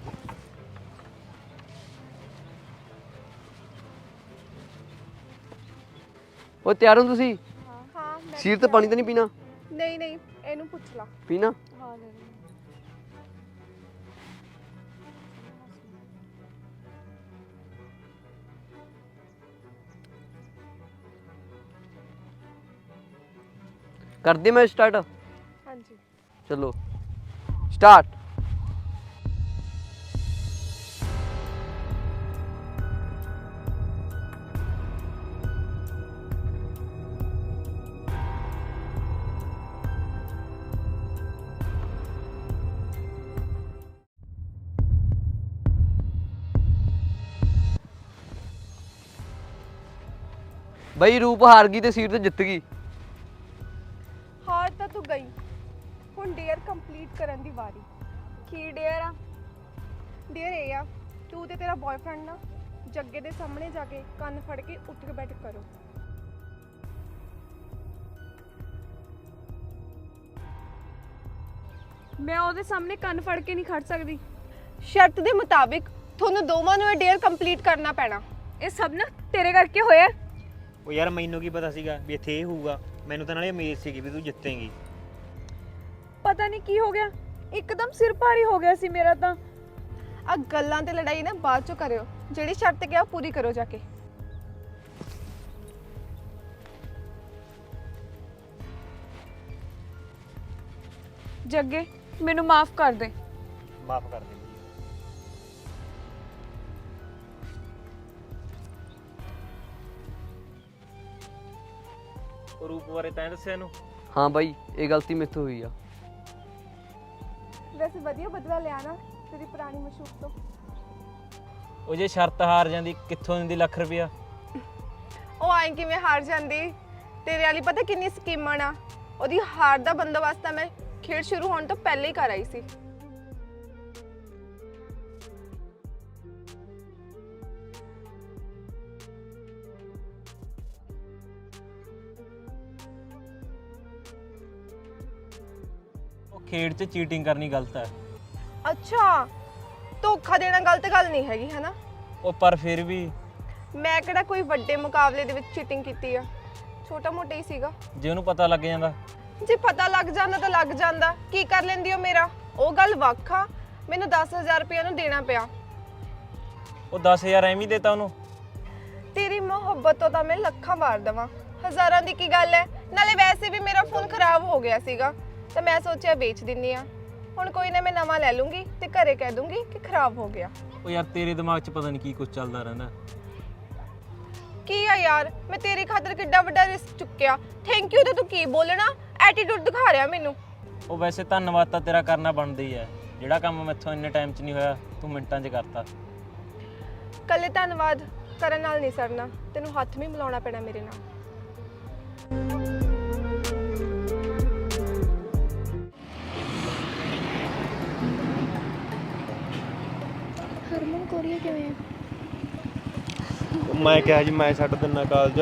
F: ਉਹ ਤਿਆਰ ਹੋ ਤੁਸੀਂ?
H: ਹਾਂ
F: ਸੀਰਤ ਪਾਣੀ ਤਾਂ ਨਹੀਂ ਪੀਣਾ?
H: ਨਹੀਂ ਨਹੀਂ, ਇਹਨੂੰ ਪੁੱਛ ਲਾ।
F: ਪੀਣਾ?
H: ਹਾਂ
F: ਕਰਦੇ ਮੈਂ ਸਟਾਰਟ?
H: ਹਾਂਜੀ।
F: ਚਲੋ ਸਟਾਰਟ। ਬਈ ਰੂਪ ਹਾਰ ਗਈ ਤੇ ਸੀਟ ਤੇ ਜਿੱਤ ਗਈ।
H: ਹਾਰ ਤਾਂ ਤੂੰ ਗਈ, ਹੁਣ ਡੇਅਰ ਕੰਪਲੀਟ ਕਰਨ ਦੀ ਵਾਰੀ।
C: ਕੀ ਡੇਅਰ ਆ?
H: ਡੇਅਰ ਇਹ ਆ, ਤੂੰ ਤੇ ਤੇਰਾ ਬॉयਫ੍ਰੈਂਡ ਨਾ ਜੱਗੇ ਦੇ ਸਾਹਮਣੇ ਜਾ ਕੇ ਕੰਨ ਫੜ ਕੇ ਉੱਠ ਕੇ ਬੈਠ ਕਰੋ।
C: ਮੈਂ ਉਹਦੇ ਸਾਹਮਣੇ ਕੰਨ ਫੜ ਕੇ ਨਹੀਂ ਖੜ ਸਕਦੀ।
H: ਸ਼ਰਤ ਦੇ ਮੁਤਾਬਿਕ ਤੁਹਾਨੂੰ ਦੋਵਾਂ ਨੂੰ ਇਹ ਡੇਅਰ ਕੰਪਲੀਟ ਕਰਨਾ ਪੈਣਾ।
C: ਇਹ ਸਭ ਨਾ ਤੇਰੇ ਕਰਕੇ ਹੋਇਆ।
D: ਉਹ ਯਾਰ ਮੈਨੂੰ ਕੀ ਪਤਾ ਸੀਗਾ ਵੀ ਇੱਥੇ ਇਹ ਹੋਊਗਾ। ਮੈਨੂੰ ਤਾਂ ਨਾਲੇ ਉਮੀਦ ਸੀਗੀ ਵੀ ਤੂੰ ਜਿੱਤੇਂਗੀ।
C: ਪਤਾ ਨਹੀਂ ਕੀ ਹੋ ਗਿਆ, ਇੱਕਦਮ ਸਿਰ ਭਾਰੀ ਹੋ ਗਿਆ ਸੀ ਮੇਰਾ ਤਾਂ।
H: ਆ ਗੱਲਾਂ ਤੇ ਲੜਾਈ ਨਾ ਬਾਅਦ ਚੋਂ ਕਰਿਓ, ਜਿਹੜੀ ਸ਼ਰਤ ਕਿਹਾ ਪੂਰੀ ਕਰੋ ਜਾ ਕੇ।
C: ਜੱਗੇ ਮੈਨੂੰ ਮਾਫ ਕਰ ਦੇ।
D: ਮਾਫ ਕਰ ਦੇ। ਉਹ ਰੂਪ ਬਾਰੇ ਤੈਂ ਦੱਸਿਆ ਇਹਨੂੰ?
F: ਹਾਂ ਬਾਈ ਇਹ ਗਲਤੀ ਮੇਥੋਂ ਹੋਈ ਆ।
H: ਵੈਸੇ ਵਧੀਆ ਬਦਲਾ ਲਿਆ ਨਾ ਤੇਰੀ ਪੁਰਾਣੀ ਮਸ਼ੂਕ ਤੋਂ।
D: ਉਹ ਜੇ ਸ਼ਰਤ ਹਾਰ ਜਾਂਦੀ ਕਿੱਥੋਂ ਦਿੰਦੀ ਲੱਖ ਰੁਪਇਆ?
H: ਉਹ ਆਏ ਕਿਵੇਂ ਹਾਰ ਜਾਂਦੀ? ਤੇਰੇ ਵਾਲੀ ਪਤਾ ਕਿੰਨੀ ਸਕੀਮਾਂ ਆ। ਉਹਦੀ ਹਾਰ ਦਾ ਬੰਦੋਬਸਤ ਤਾਂ ਮੈਂ ਖੇਡ ਸ਼ੁਰੂ ਹੋਣ ਤੋਂ ਪਹਿਲੇ ਹੀ ਕਰ ਆਈ ਸੀ।
D: ਉਹ ਖੇਡ 'ਚ ਚੀਟਿੰਗ ਕਰਨੀ ਗਲਤ ਹੈ।
H: ਅੱਛਾ, ਧੋਖਾ ਦੇਣਾ ਗਲਤ ਗੱਲ ਨਹੀਂ ਹੈਗੀ ਹੈ ਨਾ।
D: ਉਹ ਪਰ ਫਿਰ ਵੀ
H: ਮੈਂ ਕਿਹੜਾ ਕੋਈ ਵੱਡੇ ਮੁਕਾਬਲੇ ਦੇ ਵਿੱਚ ਚੀਟਿੰਗ ਕੀਤੀ ਆ, ਛੋਟਾ ਮੋਟਾ ਹੀ ਸੀਗਾ।
D: ਜੇ ਉਹਨੂੰ ਪਤਾ ਲੱਗ ਜਾਂਦਾ?
H: ਜੇ ਪਤਾ ਲੱਗ ਜਾਂਦਾ ਤਾਂ ਲੱਗ ਜਾਂਦਾ, ਕੀ ਕਰ ਲੈਂਦੀ ਹੋ ਮੇਰਾ? ਉਹ ਗੱਲ ਵੱਖ ਆ, ਮੈਨੂੰ 10,000 ਰੁਪਏ ਨੂੰ ਦੇਣਾ ਪਿਆ।
D: ਉਹ 10,000 ਐਵੇਂ ਹੀ ਦੇਤਾ ਉਹਨੂੰ?
H: ਤੇਰੀ ਮੁਹੱਬਤ ਤੋਂ ਤਾਂ ਮੈਂ ਲੱਖਾਂ ਵਾਰ ਦੇਵਾਂ, ਹਜ਼ਾਰਾਂ ਦੀ ਕੀ ਗੱਲ ਹੈ। ਨਾਲੇ ਵੈਸੇ ਵੀ ਮੇਰਾ ਫੋਨ ਖਰਾਬ ਹੋ ਗਿਆ ਸੀਗਾ ਤਾਂ ਮੈਂ ਸੋਚਿਆ ਵੇਚ ਦਿੰਨੀ ਆ। ਹੁਣ ਕੋਈ ਨਾ ਮੈਂ ਨਵਾਂ ਲੈ ਲੂੰਗੀ ਤੇ ਘਰੇ ਕਹਿ ਦੂੰਗੀ ਕਿ ਖਰਾਬ ਹੋ ਗਿਆ।
D: ਉਹ ਯਾਰ ਤੇਰੇ ਦਿਮਾਗ 'ਚ ਪਤਾ ਨਹੀਂ ਕੀ ਕੁਝ ਚੱਲਦਾ ਰਹਿੰਦਾ।
H: ਕੀ ਆ ਯਾਰ, ਮੈਂ ਤੇਰੀ ਖਾਤਰ ਕਿੱਡਾ ਵੱਡਾ ਰਿਸਕ ਚੁੱਕਿਆ। ਥੈਂਕ ਯੂ ਤੇ ਤੂੰ ਕੀ ਬੋਲਣਾ? ਐਟੀਟਿਊਡ ਦਿਖਾ ਰਿਹਾ ਮੈਨੂੰ।
A: ਉਹ ਵੈਸੇ ਧੰਨਵਾਦ ਤਾਂ ਤੇਰਾ ਕਰਨਾ ਬਣਦਾ ਹੀ ਹੈ। ਜਿਹੜਾ ਕੰਮ ਮੈਥੋਂ ਇੰਨੇ ਟਾਈਮ 'ਚ ਨਹੀਂ ਹੋਇਆ ਤੂੰ ਮਿੰਟਾਂ 'ਚ ਕਰਤਾ।
H: ਕੱਲੇ ਧੰਨਵਾਦ ਕਰਨ ਨਾਲ ਨਹੀਂ ਸਰਨਾ, ਤੈਨੂੰ ਹੱਥ ਵੀ ਮਿਲਾਉਣਾ ਪੈਣਾ ਮੇਰੇ ਨਾਲ।
B: ਹਰਮਨ ਕੋਰੀਆ ਕਿਵੇਂ ਆ?
D: ਮੈਂ ਕਿਹਾ ਜੀ ਮੈਂ ਛੱਡ ਦਿੰਨਾ ਕਾਲਜ।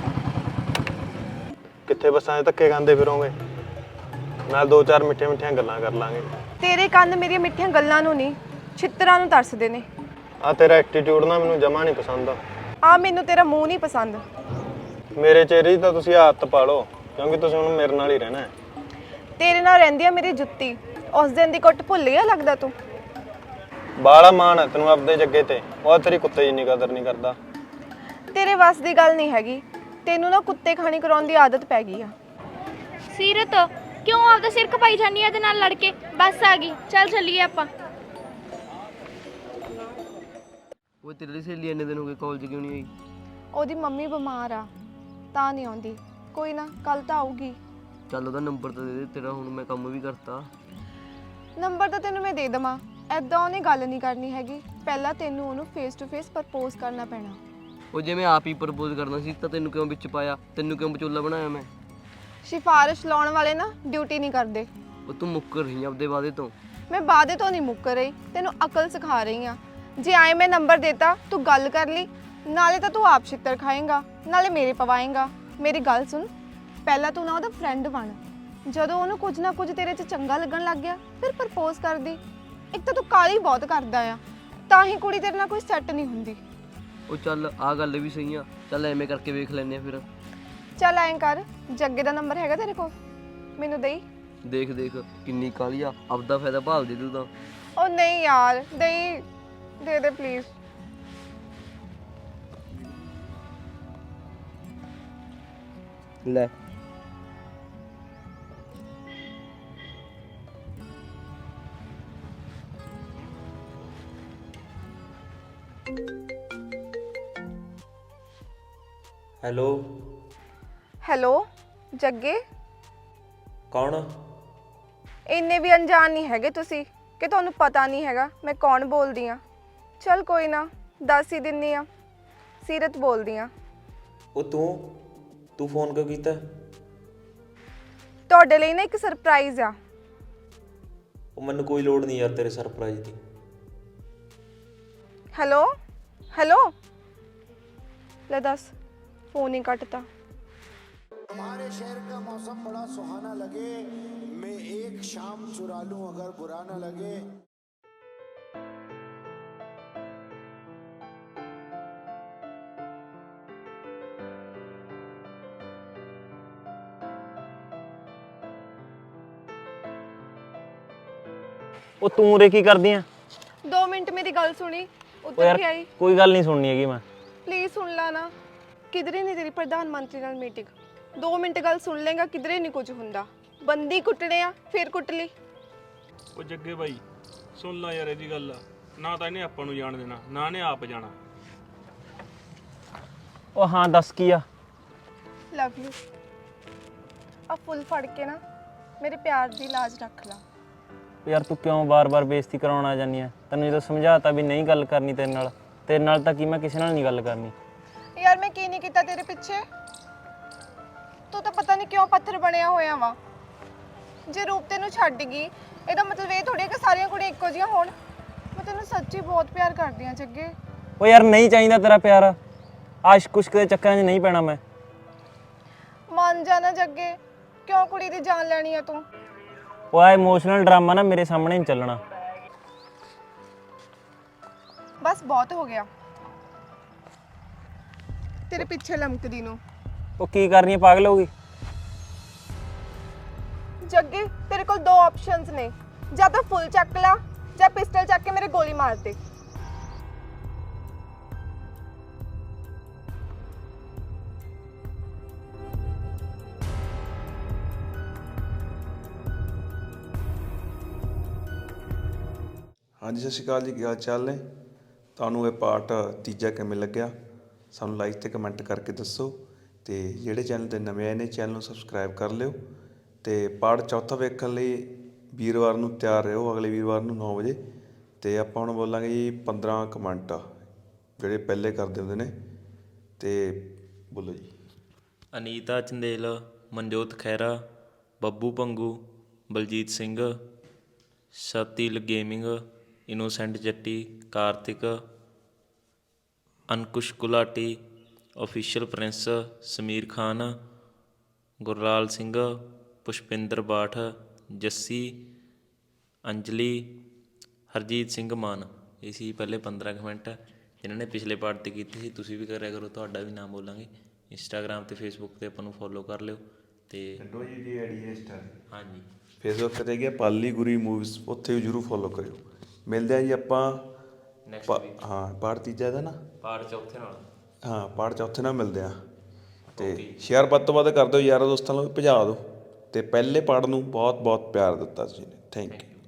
D: ਕਿੱਥੇ ਬੱਸਾਂ 'ਚ ਧੱਕੇ ਖਾਂਦੇ ਫਿਰੋਂਗੇ, ਨਾਲ 2-4 ਮਿੱਠੀਆਂ ਗੱਲਾਂ ਕਰ ਲਾਂਗੇ।
H: ਤੇਰੇ ਕੰਨ ਮੇਰੀਆਂ ਮਿੱਠੀਆਂ ਗੱਲਾਂ ਨੂੰ ਨਹੀਂ, ਛਿੱਤਰਾਂ ਨੂੰ ਤਰਸਦੇ ਨੇ।
D: ਆ ਤੇਰਾ ਐਟੀਟਿਊਡ ਨਾ ਮੈਨੂੰ ਜਮਾ ਨਹੀਂ ਪਸੰਦ।
H: ਆ ਮੈਨੂੰ ਤੇਰਾ ਮੂੰਹ ਨਹੀਂ ਪਸੰਦ।
D: ਮੇਰੇ ਚਿਹਰੇ 'ਚ ਤਾਂ ਤੁਸੀਂ ਆਦਤ ਪਾ ਲਓ, ਕਿਉਂਕਿ ਤੁਸੀਂ ਹੁਣ ਮੇਰੇ ਨਾਲ ਹੀ ਰਹਿਣਾ ਹੈ।
H: ਤੇਰੇ ਨਾਲ ਰਹਿੰਦੀ ਆ ਮੇਰੀ ਜੁੱਤੀ, ਉਸ ਦਿਨ ਦੀ ਕੁੱਟ ਭੁੱਲ ਗਿਆ ਲੱਗਦਾ ਤੂੰ।
D: ਬਾਲਾ ਮਾਣ ਹੈ ਤੈਨੂੰ ਆਪਦੇ ਜੱਗੇ ਤੇ, ਉਹ ਤੇਰੀ ਕੁੱਤੇ ਜਿੰਨੀ ਕਦਰ ਨਹੀਂ ਕਰਦਾ।
H: ਤੇਰੇ ਵੱਸ ਦੀ ਗੱਲ ਨਹੀਂ ਹੈਗੀ, ਤੈਨੂੰ ਨਾ ਕੁੱਤੇ ਖਾਣੀ ਕਰਾਉਣ ਦੀ ਆਦਤ ਪੈ ਗਈ ਆ।
B: ਸੀਰਤ ਕਿਉਂ ਆਪਦਾ ਸਿਰ ਖਪਾਈ ਜਾਂਦੀ ਆ ਇਹਦੇ ਨਾਲ ਲੜ ਕੇ? ਬੱਸ ਆ ਗਈ, ਚੱਲ ਚੱਲੀਏ ਆਪਾਂ।
F: ਉਹ ਤੇਰੀ ਵਾਲੀ ਸਹੇਲੀ ਇੰਨੇ ਦਿਨ ਹੋ ਗਏ ਕਾਲਜ ਕਿਉਂ ਨਹੀਂ ਆਈ?
H: ਉਹਦੀ ਮੰਮੀ ਬਿਮਾਰ ਆ ਤਾਂ ਨਹੀਂ ਆਉਂਦੀ। ਕੋਈ ਨਾ, ਕੱਲ ਤਾਂ ਆਊਗੀ।
F: ਚੱਲ ਉਹਦਾ ਨੰਬਰ ਤਾਂ ਦੇ ਦੇ ਤੇਰਾ, ਹੁਣ ਮੈਂ ਕੰਮ ਵੀ ਕਰਤਾ।
H: ਨੰਬਰ ਤਾਂ ਤੈਨੂੰ ਮੈਂ ਦੇ ਦੇਵਾਂ, ਐਦਾਂ ਉਹਨੇ ਗੱਲ ਨਹੀਂ ਕਰਨੀ ਹੈਗੀ। ਪਹਿਲਾਂ ਤੈਨੂੰ ਉਹਨੂੰ ਫੇਸ ਟੂ ਫੇਸ ਪ੍ਰਪੋਜ਼ ਕਰਨਾ ਪੈਣਾ।
F: ਉਹ ਜੇ ਮੈਂ ਆਪ ਹੀ ਪ੍ਰਪੋਜ਼ ਕਰਨਾ ਸੀ ਤਾਂ ਤੈਨੂੰ ਕਿਉਂ ਵਿੱਚ ਪਾਇਆ? ਤੈਨੂੰ ਕਿਉਂ ਵਿਚੋਲਾ ਬਣਾਇਆ ਮੈਂ?
H: ਸਿਫਾਰਿਸ਼ ਲਾਉਣ ਵਾਲੇ ਨਾ ਡਿਊਟੀ ਨਹੀਂ ਕਰਦੇ।
F: ਉਹ ਤੂੰ ਮੁੱਕਰ ਰਹੀ ਆਪਦੇ ਵਾਅਦੇ ਤੋਂ।
H: ਮੈਂ ਵਾਅਦੇ ਤੋਂ ਨਹੀਂ ਮੁੱਕਰ ਰਹੀ, ਤੈਨੂੰ ਅਕਲ ਸਿਖਾ ਰਹੀ ਆ। ਜੇ ਆਏ ਮੈਂ ਨੰਬਰ ਦੇਤਾ, ਤੂੰ ਗੱਲ ਕਰ ਲਈ, ਨਾਲੇ ਤਾਂ ਤੂੰ ਆਪ ਛਿੱਤਰ ਖਾਏਂਗਾ, ਨਾਲੇ ਮੇਰੇ ਪਵਾਏਂਗਾ। ਮੇਰੀ ਗੱਲ ਸੁਣ, ਪਹਿਲਾਂ ਤੂੰ ਨਾ ਉਹਦਾ ਫਰੈਂਡ ਬਣ। ਜਦੋਂ ਉਹਨੂੰ ਕੁਝ ਨਾ ਕੁਝ ਤੇਰੇ 'ਚ ਚੰਗਾ ਲੱਗਣ ਲੱਗ ਗਿਆ, ਫਿਰ ਪ੍ਰਪੋਜ਼ ਕਰਦੀ। ਇੱਕ ਤਾਂ ਤੂੰ ਕਾਲੀ ਬਹੁਤ ਕਰਦਾ ਆ, ਤਾਂ ਹੀ ਕੁੜੀ ਤੇਰੇ ਨਾਲ ਕੋਈ ਸੈੱਟ ਨਹੀਂ ਹੁੰਦੀ।
F: ਉਹ ਚੱਲ ਆ ਗੱਲ ਵੀ ਸਹੀ ਆ, ਚੱਲ ਐਵੇਂ ਕਰਕੇ ਵੇਖ ਲੈਨੇ ਆ ਫਿਰ।
H: ਚੱਲ ਐਂ ਕਰ, ਜੱਗੇ ਦਾ ਨੰਬਰ ਹੈਗਾ ਤੇਰੇ ਕੋਲ? ਮੈਨੂੰ ਦੇਈ।
F: ਦੇਖ ਦੇਖ ਕਿੰਨੀ ਕਾਲੀ ਆ, ਆਪਦਾ ਫਾਇਦਾ ਭਾਲ ਦੇ ਤੂੰ ਤਾਂ।
H: ਉਹ ਨਹੀਂ ਯਾਰ, ਦੇਈ, ਦੇ ਦੇ ਪਲੀਜ਼।
F: ਲੈ
A: ਹੈਲੋ
H: ਹੈਲੋ ਜੱਗੇ,
A: ਕੌਣ?
H: ਇੰਨੇ ਵੀ ਅਣਜਾਣ ਨਹੀਂ ਹੈਗੇ ਤੁਸੀਂ ਕਿ ਤੁਹਾਨੂੰ ਪਤਾ ਨਹੀਂ ਹੈਗਾ ਮੈਂ ਕੌਣ ਬੋਲਦੀ ਆ। ਚਲ ਕੋਈ ਨਾ, ਦੱਸ ਹੀ ਦਿੰਨੀ ਆ। ਸੀਰਤ ਬੋਲਦੀ ਆ।
A: ਉਹ ਤੂੰ ਫੋਨ ਕਿਉਂ ਕੀਤਾ?
H: ਤੁਹਾਡੇ ਲਈ ਨਾ ਇੱਕ ਸਰਪ੍ਰਾਈਜ਼ ਆ।
A: ਉਹ ਮੈਨੂੰ ਕੋਈ ਲੋੜ ਨਹੀਂ ਯਾਰ ਤੇਰੇ ਸਰਪ੍ਰਾਈਜ਼ ਦੀ।
H: हेलो हेलो, ले दस फोन ही कटता।
J: हमारे शहर का मौसम बड़ा सुहाना लगे, मैं एक शाम चुरा लूं अगर बुरा ना लगे।
D: ਉਹ ਤੂੰ ਉਰੇ ਕੀ ਕਰਦੀ ਆ?
H: 2 मिनट मेरी गल सुनी,
D: ਉਹ
H: उधर
D: ਯਾਰ
H: की आई।
D: ਕੋਈ ਗੱਲ ਨਹੀਂ ਸੁਣਨੀ ਹੈਗੀ ਮੈਂ।
H: प्लीज सुन ला ना, किधरे नहीं तेरी प्रधानमंत्री नाल मीटिंग। 2 मिनट गल सुन लेगा, किधरे नहीं कुछ हुंदा। बंदी कुटने आ फिर कुट ली।
I: ਉਹ ਜੱਗੇ ਬਾਈ ਸੁਣ ਲਾ ਯਾਰ ਇਹਦੀ ਗੱਲ, ਨਾ ਤਾਂ ਇਹਨੇ ਆਪਾਂ ਨੂੰ ਜਾਣ ਦੇਣਾ, ਨਾ ਇਹਨੇ ਆਪ ਜਾਣਾ।
D: ਉਹ ਹਾਂ ਦੱਸ ਕੀ ਆ?
H: Love you. अब फुल फड़ के ना मेरे प्यार दी लाज रख ला।
A: ਯਾਰ ਤੂੰ ਕਿਉਂ ਬਾਰ-ਬਾਰ ਬੇਇੱਜ਼ਤੀ ਕਰਾਉਣ ਆ ਜਾਂਦੀ ਆ? ਤੈਨੂੰ ਜਦੋਂ ਸਮਝਾਤਾ ਵੀ ਨਹੀਂ ਗੱਲ ਕਰਨੀ ਤੇਰੇ ਨਾਲ ਤਾਂ ਕੀ ਮੈਂ ਕਿਸੇ ਨਾਲ ਨਹੀਂ ਗੱਲ ਕਰਨੀ।
H: यार मैं की नहीं किया तेरे पिछे, तू तो पता नहीं क्यों पत्थर बनया होया वा। जे रूप तेनू छड्ड गई, ਇਹਦਾ ਮਤਲਬ ਇਹ ਥੋੜੀ ਹੈ ਕਿ ਸਾਰੀਆਂ ਕੁੜੀਆਂ ਇੱਕੋ ਜਿਹੀਆਂ ਹੋਣ। ਮੈਂ ਤੈਨੂੰ ਸੱਚੀ ਬਹੁਤ ਪਿਆਰ ਕਰਦੀ ਹਾਂ ਜੱਗੇ।
A: ਉਹ ਯਾਰ ਨਹੀਂ ਚਾਹੀਦਾ ਤੇਰਾ ਪਿਆਰ, ਆਸ਼ਕ ਕੁਸ਼ਕ ਦੇ ਚੱਕਰਾਂ 'ਚ ਨਹੀਂ ਪੈਣਾ ਮੈਂ।
H: ਮੰਨ ਜਾ ਨਾ ਜੱਗੇ, ਕਿਉਂ ਕੁੜੀ ਦੀ ਜਾਨ ਲੈਣੀ ਆ ਤੂੰ?
A: ਉਹ ਆ ਇਮੋਸ਼ਨਲ ਡਰਾਮਾ ਨਾ ਮੇਰੇ ਸਾਹਮਣੇ ਨਹੀਂ ਚੱਲਣਾ।
H: ਬਸ ਬਹੁਤ ਹੋ ਗਿਆ ਤੇਰੇ ਪਿੱਛੇ ਲਮਕਦੀ ਨੂੰ।
A: ਉਹ ਕੀ ਕਰਨੀ ਹੈ, ਪਾਗਲ ਹੋ ਗਈ?
H: ਜੱਗੇ ਤੇਰੇ ਕੋਲ 2 ਆਪਸ਼ਨਸ ਨੇ, ਜਾਂ ਤਾਂ ਫੁੱਲ ਚੱਕ ਲਾ ਜਾਂ ਪਿਸਟਲ ਚੱਕ ਕੇ ਮੇਰੇ ਗੋਲੀ ਮਾਰ ਦੇ।
K: ਹਾਂਜੀ ਸਤਿ ਸ਼੍ਰੀ ਅਕਾਲ ਜੀ, ਕੀ ਹਾਲ ਚਾਲ ਨੇ? ਤੁਹਾਨੂੰ ਇਹ ਪਾਰਟ ਤੀਜਾ ਕਿਵੇਂ ਲੱਗਿਆ ਸਾਨੂੰ ਲਾਈਕ ਤੇ ਕਮੈਂਟ ਕਰਕੇ ਦੱਸੋ, ਤੇ ਜਿਹੜੇ ਚੈਨਲ ਤੇ ਨਵੇਂ ਆਏ ਨੇ ਚੈਨਲ ਨੂੰ ਸਬਸਕ੍ਰਾਈਬ ਕਰ ਲਿਓ ਤੇ ਪਾਰਟ ਚੌਥਾ ਵੇਖਣ ਲਈ ਵੀਰਵਾਰ ਨੂੰ ਤਿਆਰ ਰਹੋ, ਅਗਲੇ ਵੀਰਵਾਰ ਨੂੰ 9 ਵਜੇ। ਤੇ ਆਪਾਂ ਹੁਣ ਬੋਲਾਂਗੇ ਜੀ 15 ਕਮੈਂਟ ਜਿਹੜੇ ਪਹਿਲੇ ਕਰਦੇ ਹੁੰਦੇ ਨੇ। ਤੇ ਬੋਲੋ ਜੀ।
A: ਅਨੀਤਾ ਚੰਦੇਲ, ਮਨਜੋਤ ਖਹਿਰਾ, ਬੱਬੂ ਭੰਗੂ, ਬਲਜੀਤ ਸਿੰਘ, ਸਤਿਲ gaming, innocent Jatti, Kartik, Ankush Gulati, official Prince, Sameer Khan, Gurlal Singh, Pushpinder Bath, Jassi, Anjali, Harjit Singh Mann. ਇਹ ਸੀ ਪਹਿਲੇ 15 ਕਮੈਂਟ ਜਿਨ੍ਹਾਂ ਨੇ ਪਿਛਲੇ ਪਾਰਟ 'ਤੇ ਕੀਤੇ ਸੀ। ਤੁਸੀਂ ਵੀ ਕਰਿਆ ਕਰੋ, ਤੁਹਾਡਾ ਵੀ ਨਾਮ ਬੋਲਾਂਗੇ। ਇੰਸਟਾਗ੍ਰਾਮ ਅਤੇ ਫੇਸਬੁੱਕ 'ਤੇ ਆਪਾਂ ਨੂੰ ਫੋਲੋ ਕਰ ਲਿਓ। ਅਤੇ ਹਾਂਜੀ,
K: ਫੇਸਬੁੱਕ 'ਤੇ ਗਿਆ ਪਾਲੀ ਗੁਰੀ ਮੂਵੀਜ਼, ਉੱਥੇ ਵੀ ਜ਼ਰੂਰ ਫੋਲੋ ਕਰਿਓ। ਮਿਲਦੇ ਆ ਜੀ ਆਪਾਂ ਹਾਂ ਪਾਰਟ ਤੀਜਾ ਇਹਦਾ ਨਾ,
A: ਪਾਰਟ ਚੌਥੇ ਨਾਲ।
K: ਹਾਂ ਪਾਰਟ ਚੌਥੇ ਨਾਲ ਮਿਲਦੇ ਆ। ਅਤੇ ਸ਼ੇਅਰ ਵੱਧ ਤੋਂ ਵੱਧ ਕਰ ਦਿਓ ਯਾਰਾਂ ਦੋਸਤਾਂ ਨੂੰ, ਭਜਾ ਦਿਓ। ਅਤੇ ਪਹਿਲੇ ਪਾਰਟ ਨੂੰ ਬਹੁਤ ਬਹੁਤ ਪਿਆਰ ਦਿੱਤਾ ਤੁਸੀਂ ਨੇ। Thank you.